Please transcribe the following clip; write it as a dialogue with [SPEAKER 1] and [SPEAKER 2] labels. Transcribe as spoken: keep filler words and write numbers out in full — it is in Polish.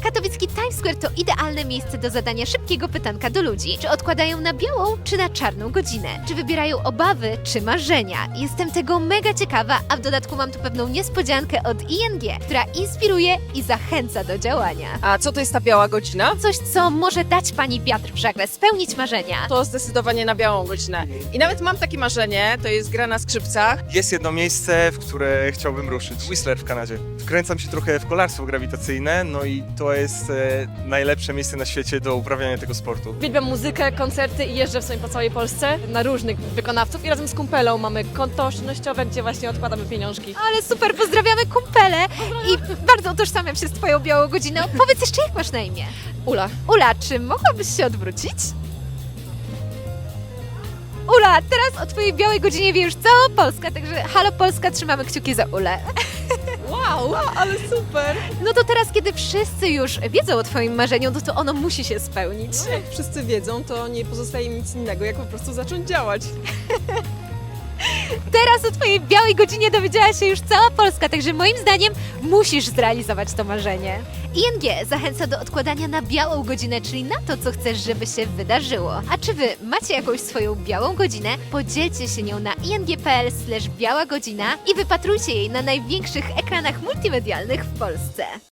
[SPEAKER 1] Katowicki Times Square to idealne miejsce do zadania szybkiego pytanka do ludzi. Czy odkładają na białą, czy na czarną godzinę? Czy wybierają obawy, czy marzenia? Jestem tego mega ciekawa, a w dodatku mam tu pewną niespodziankę od I N G, która inspiruje i zachęca do działania.
[SPEAKER 2] A co to jest ta biała godzina?
[SPEAKER 1] Coś, co może dać pani wiatr w żagle, spełnić marzenia.
[SPEAKER 2] To zdecydowanie na białą godzinę. I nawet mam takie marzenie, to jest gra na skrzypcach.
[SPEAKER 3] Jest jedno miejsce, w które chciałbym ruszyć. Whistler w Kanadzie. Wkręcam się trochę w kolarstwo grawitacyjne, no i to jest e, najlepsze miejsce na świecie do uprawiania tego sportu.
[SPEAKER 4] Uwielbiam muzykę, koncerty i jeżdżę w sumie po całej Polsce na różnych wykonawców i razem z kumpelą mamy konto oszczędnościowe, gdzie właśnie odkładamy pieniążki.
[SPEAKER 1] Ale super, pozdrawiamy kumpele i bardzo utożsamiam się z twoją białą godziną. Powiedz jeszcze, jak masz na imię?
[SPEAKER 4] Ula.
[SPEAKER 1] Ula, czy mogłabyś się odwrócić? Ula, teraz o twojej białej godzinie wie już cała Polska, także halo Polska, trzymamy kciuki za Ulę.
[SPEAKER 4] Wow, ale super!
[SPEAKER 1] No to teraz, kiedy wszyscy już wiedzą o twoim marzeniu, no to ono musi się spełnić.
[SPEAKER 4] No, jak wszyscy wiedzą, to nie pozostaje mi nic innego, jak po prostu zacząć działać.
[SPEAKER 1] Teraz o twojej białej godzinie dowiedziała się już cała Polska, także moim zdaniem musisz zrealizować to marzenie. I N G zachęca do odkładania na białą godzinę, czyli na to, co chcesz, żeby się wydarzyło. A czy wy macie jakąś swoją białą godzinę? Podzielcie się nią na ing kropka p l slash biała godzina i wypatrujcie jej na największych ekranach multimedialnych w Polsce.